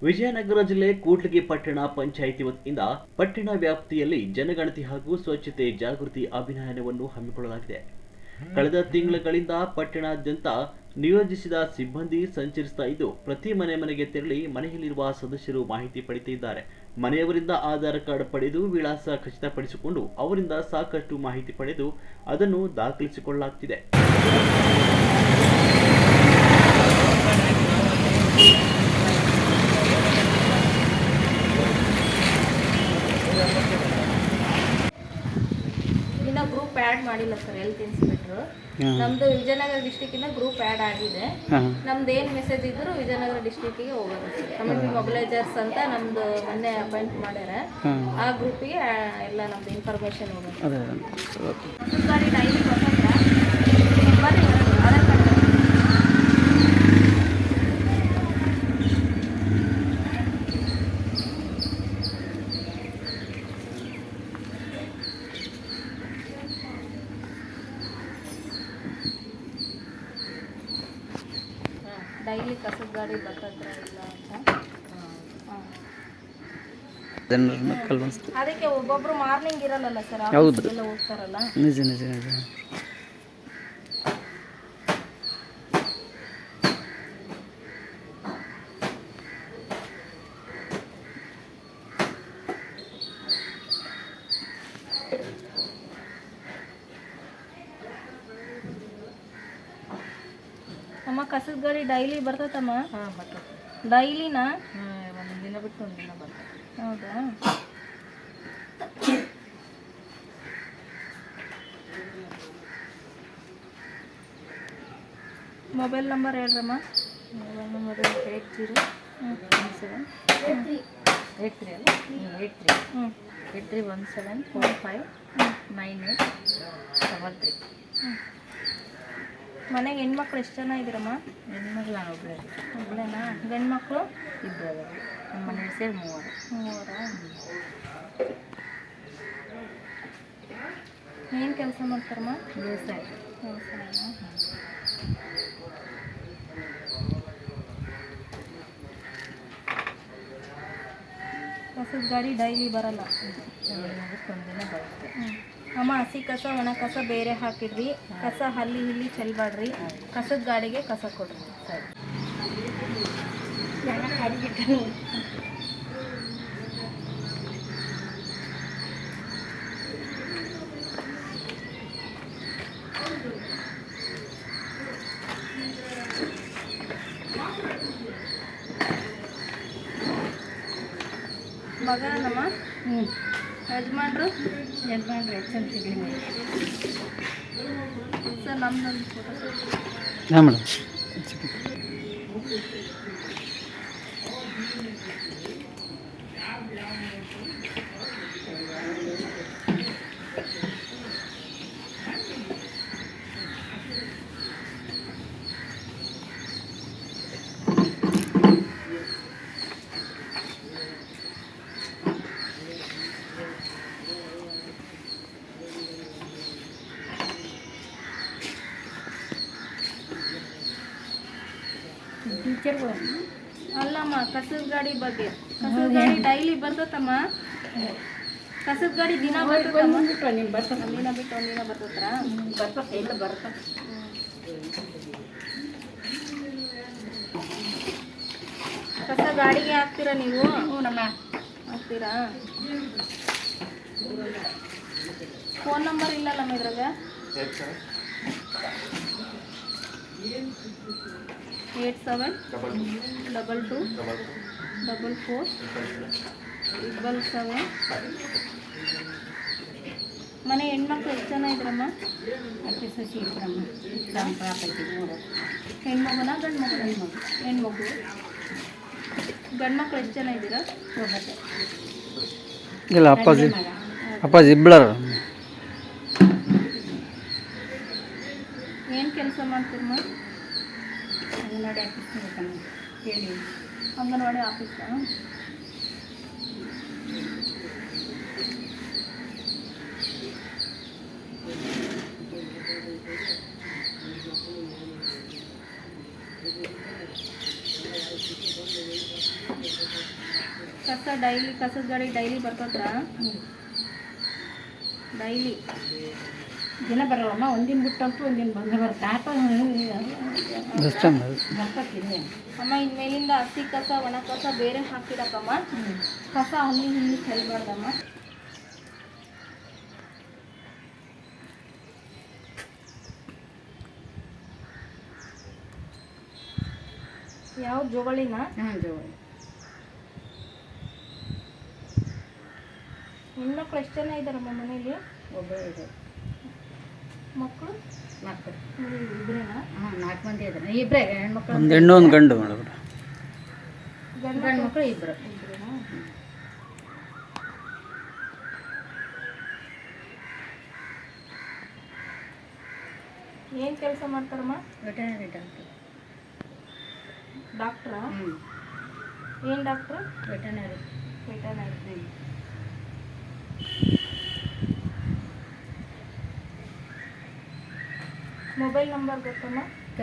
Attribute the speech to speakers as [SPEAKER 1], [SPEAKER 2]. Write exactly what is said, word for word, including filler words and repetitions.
[SPEAKER 1] ವಿಜಯನಗರ ಜಿಲ್ಲೆ ಕೂಡ್ಲಿಗಿ ಪಟ್ಟಣ ಪಂಚಾಯಿತಿ ವತಿಯಿಂದ ಪಟ್ಟಣ ವ್ಯಾಪ್ತಿಯಲ್ಲಿ ಜನಗಣತಿ ಹಾಗೂ ಸ್ವಚ್ಛತೆ ಜಾಗೃತಿ ಅಭಿಯಾನವನ್ನು ಹಮ್ಮಿಕೊಳ್ಳಲಾಗಿದೆ. ಕಳೆದ ತಿಂಗಳುಗಳಿಂದ ಪಟ್ಟಣಾದ್ಯಂತ ನಿಯೋಜಿಸಿದ ಸಿಬ್ಬಂದಿ ಸಂಚರಿಸ್ತಾ ಇದ್ದು, ಪ್ರತಿ ಮನೆ ಮನೆಗೆ ತೆರಳಿ ಮನೆಯಲ್ಲಿರುವ ಸದಸ್ಯರು ಮಾಹಿತಿ ಪಡೆಯುತ್ತಿದ್ದಾರೆ. ಮನೆಯವರಿಂದ ಆಧಾರ್ ಕಾರ್ಡ್ ಪಡೆದು ವಿಳಾಸ ಖಚಿತಪಡಿಸಿಕೊಂಡು ಅವರಿಂದ ಸಾಕಷ್ಟು ಮಾಹಿತಿ ಪಡೆದು ಅದನ್ನು ದಾಖಲಿಸಿಕೊಳ್ಳಲಾಗುತ್ತಿದೆ.
[SPEAKER 2] ಇನ್ನ ಗ್ರೂಪ್ ಆ್ಯಡ್ ಮಾಡಿಲ್ಲ ಸರ್, ಹೆಲ್ತ್ ಇನ್ಸ್ಪೆಕ್ಟರ್. ನಮ್ದು ವಿಜಯನಗರ ಡಿಸ್ಟಿಕ್ ಇಂದ ಗ್ರೂಪ್ ಆ್ಯಡ್ ಆಗಿದೆ. ನಮ್ದು ಏನು ಮೆಸೇಜ್ ಇದ್ರು ವಿಜಯನಗರ ಡಿಸ್ಟಿಕ್ಗೆ ಹೋಗೋದು ಸರ್. ಕಮ್ಯುನಿಟಿ ಮೊಬಿಲೈಸರ್ಸ್ ಅಂತ ನಮ್ದು ಮೊನ್ನೆ ಅಪಾಯಿಂಟ್ ಮಾಡ್ಯಾರ. ಆ ಗ್ರೂಪಿಗೆ ಎಲ್ಲ ನಮ್ದು ಇನ್ಫಾರ್ಮೇಶನ್ ಹೋಗೋದು. ಗಾಡಿ ಡೈಲಿ ಬಂದ್ರೆ ಆಧಾರ್ ಕಾರ್ಡ್ ಡೈಲಿ ಕಸದ ಗಾಡಿ ಬರ್ತದ್ರ ಇಲ್ಲ ಅಂತ ಅದಕ್ಕೆ ಒಬ್ಬೊಬ್ರು ಮಾರ್ನಿಂಗ್ ಇರಲ್ಲ ಸರ್, ಎಲ್ಲ ಹೋಗ್ತಾರಲ್ಲ.
[SPEAKER 3] ನಿಜ ನಿಜ ನಿಜ
[SPEAKER 2] ಅಮ್ಮ ಕಸದ ಗಾಡಿ ಡೈಲಿ ಬರ್ತೈತಮ್ಮ? ಹಾಂ ಬರ್ತೈತೆ. ಡೈಲಿನಾ? ಹಾಂ, ಒಂದು ದಿನ ಬಿಟ್ಟು ಒಂದು ದಿನ ಬರ್ತೈತೆ. ಹೌದಾ? ಮೊಬೈಲ್ ನಂಬರ್ ಹೇಳ್ರಮ್ಮ. Mobile number eight zero one seven eight three eight three ಅಲ್ಲ ಏಯ್ಟ್ ತ್ರೀ ಹ್ಞೂ eight three one seven four five nine eight double three. ಮನೆಗೆ ಹೆಣ್ಮಕ್ಳು ಎಷ್ಟು ಜನ ಇದ್ದೀರಮ್ಮ? ಹೆಣ್ಮಕ್ಳು ನಾನು ಒಬ್ಬಳೇ. ಒಬ್ಬಳೇನಾ? ಗಂಡು ಮಕ್ಕಳು ಇಬ್ಬರು. ನಮ್ಮ ಮನೆ ಸೇರಿ ಮೂವರು. ಮೂವರಾ? ಏನು ಕೆಲಸ ಮಾಡ್ತಾರಮ್ಮ? ವ್ಯವಸಾಯ. ವ್ಯವಸಾಯನಾ? ಕಸದ ಗಾಡಿ ಡೈಲಿ ಬರಲ್ಲ? ಒಂದಿನ ಬರುತ್ತೆ. ಹ್ಞೂ ಅಮ್ಮ, ಹಸಿ ಕಸ ಒಣ ಕಸ ಬೇರೆ ಹಾಕಿಡ್ರಿ. ಕಸ ಹಲ್ಲಿ ಇಲ್ಲಿ ಚೆಲ್ಬಾಡ್ರಿ. ಕಸದ ಗಾಡಿಗೆ ಕಸ ಕೊಡ್ರಿ. ಸರಿ. ಮಗನಮ್ಮ? ಹ್ಞೂ. ಯಜಮಾನ್ರು? ಯಜಮಾನ್ರು ಎಚ್ ಎಮ್ ಸಿಗ್ಲಿ ಸರ್. ನಮ್ಮದೊಂದು ಫೋಟೋ ಸರ್.
[SPEAKER 3] ಹಾಂ ಮೇಡಮ್.
[SPEAKER 2] ಟೀಚರ್ಗಳು ಅಲ್ಲಮ್ಮ, ಕಸದ ಗಾಡಿ ಬಗ್ಗೆ. ಕಸದ ಗಾಡಿ ಡೈಲಿ ಬರ್ತತಮ್ಮ? ಕಸದ ಗಾಡಿ ದಿನ ಬರ್ತದಮ್ಮ? ನೀವು ಬರ್ತದೆ ದಿನ ಬಿಟ್ಟು ಒಂದಿನ ಬರ್ತತ್ರ? ಬರ್ತದೆ ಇಲ್ಲ ಬರ್ತದೆ. ಕಸ ಗಾಡಿಗೆ ಹಾಕ್ತೀರಾ ನೀವು? ಹ್ಞೂ ನಮ್ಮ ಹಾಕ್ತೀರಾ? ಫೋನ್ ನಂಬರ್ ಇಲ್ಲಲ್ಲಮ್ಮ ಇದ್ರಾಗ? Eight seven double two double four double seven. ಮನೆ ಹೆಣ್ಮಕ್ಳು ಎಷ್ಟು ಜನ ಇದ್ರಮ್ಮ? ಅಕ್ಕಿ ಸಸಿ ಇದ್ರಮ್ಮ. ಹೆಣ್ಮಗುನ ಗಂಡು ಮಗು? ಹೆಣ್ಮಗು. ಹೆಣ್ಮಗು. ಗಂಡು ಮಕ್ಳು ಎಷ್ಟು ಜನ ಇದ್ದೀರಾ? ಒಬ್ಬತ್ತೆ.
[SPEAKER 3] ಇಲ್ಲ ಅಪ್ಪಾಜಿ ಅಪ್ಪಾಜಿ ಇಬ್ಬಳರ.
[SPEAKER 2] ಏನು ಕೆಲಸ ಮಾಡ್ತೀರಮ್ಮ? ಅಂಗನವಾಡಿ ಆಫೀಸ್ ಹೇಳಿ. ಅಂಗನವಾಡಿ ಆಫೀಸಾ? Thank you. ಕಸ ಡೈಲಿ ಕಸದ ಗಾಡಿ ಡೈಲಿ ಬರ್ತದ್ರ ಡೈಲಿ
[SPEAKER 4] ದಿನ ಬರಲ್ಲಮ್ಮ, ಒಂದಿನ ಬಿಟ್ಟಂತೂ ಒಂದಿನ ಬಂದೇ ಬರುತ್ತೆ. ಆಟೋ ಬರ್ತಕ್ಕಿದೆ
[SPEAKER 2] ಅಮ್ಮ ಇನ್ಮೇಲಿಂದ ಹಸಿ ಕಸ ಒಣ ಕಸ ಬೇರೆ ಹಾಕಿಡಕ್ಕಮ್ಮ. ಕಸ ಅಲ್ಲಿ ಇಲ್ಲಿ ಚೆಲ್ಬಾರ್ದಮ್ಮ. ಯಾವ ಜೋಗಳಿನ
[SPEAKER 4] ಹಾಂ ಜೋಳಿ.
[SPEAKER 2] ಹೆಣ್ಮಕ್ಳು ಎಷ್ಟು ಜನ ಇದ್ದಾರಮ್ಮ ಮನೇಲಿ?
[SPEAKER 4] ಒಬ್ಬರು ಇದೆ.
[SPEAKER 2] ಮಕ್ಕಳು
[SPEAKER 4] ಮಕ್ಕಳು
[SPEAKER 2] ಇಬ್ರೇನಾ?
[SPEAKER 4] ಹಾಂ ನಾಲ್ಕು ಮಂದಿ ಇದ್ದಾರೆ. ಇಬ್ಬರೇ ಹೆಣ್ಮಕ್ಳು,
[SPEAKER 3] ಒಂದು ಹೆಣ್ಣು ಒಂದು ಗಂಡು ಮೇಡಮ್.
[SPEAKER 4] ಗಂಡು ಮಕ್ಕಳು ಇಬ್ಬರು.
[SPEAKER 2] ಇಬ್ರೇನಾ? ಏನು ಕೆಲಸ ಮಾಡ್ತಾರಮ್ಮ?
[SPEAKER 4] Veterinary doctor.
[SPEAKER 2] ಡಾಕ್ಟ್ರಾ?
[SPEAKER 4] ಹ್ಞೂ
[SPEAKER 2] ಏನು doctor?
[SPEAKER 4] Veterinary.
[SPEAKER 2] Veterinary. Mobile number ಗೊತ್ತಮ್ಮ?